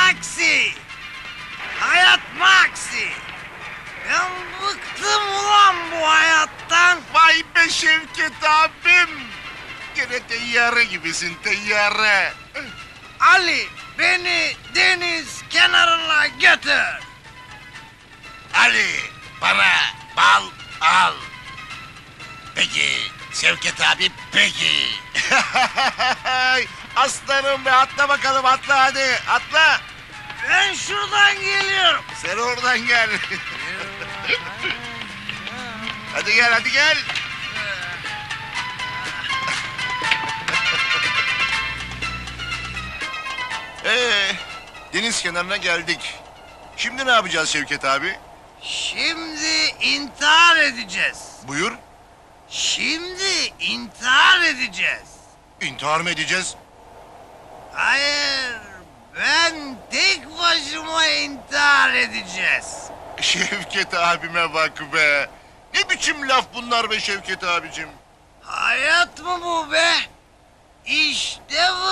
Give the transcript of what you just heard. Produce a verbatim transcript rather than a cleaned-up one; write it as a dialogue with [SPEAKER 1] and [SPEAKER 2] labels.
[SPEAKER 1] Maksi! Hayat Maksi! Ben bıktım ulan bu hayattan.
[SPEAKER 2] Vay be Şevket abim. Gene teyyare gibisin teyyare.
[SPEAKER 1] Ali beni deniz kenarına götür.
[SPEAKER 2] Ali bana bal al. Peki Şevket abi peki. Aslanım be atla bakalım atla hadi atla.
[SPEAKER 1] Ben şuradan geliyorum.
[SPEAKER 2] Sen oradan gel. Hadi gel hadi gel. Ee, deniz kenarına geldik. Şimdi ne yapacağız Şevket abi?
[SPEAKER 1] Şimdi intihar edeceğiz.
[SPEAKER 2] Buyur.
[SPEAKER 1] Şimdi intihar edeceğiz.
[SPEAKER 2] İntihar mı edeceğiz?
[SPEAKER 1] Hayır, ben tek başıma intihar edeceğiz.
[SPEAKER 2] Şevket abime bak be. Ne biçim laf bunlar be Şevket abicim?
[SPEAKER 1] Hayat mı bu be? İşte bu.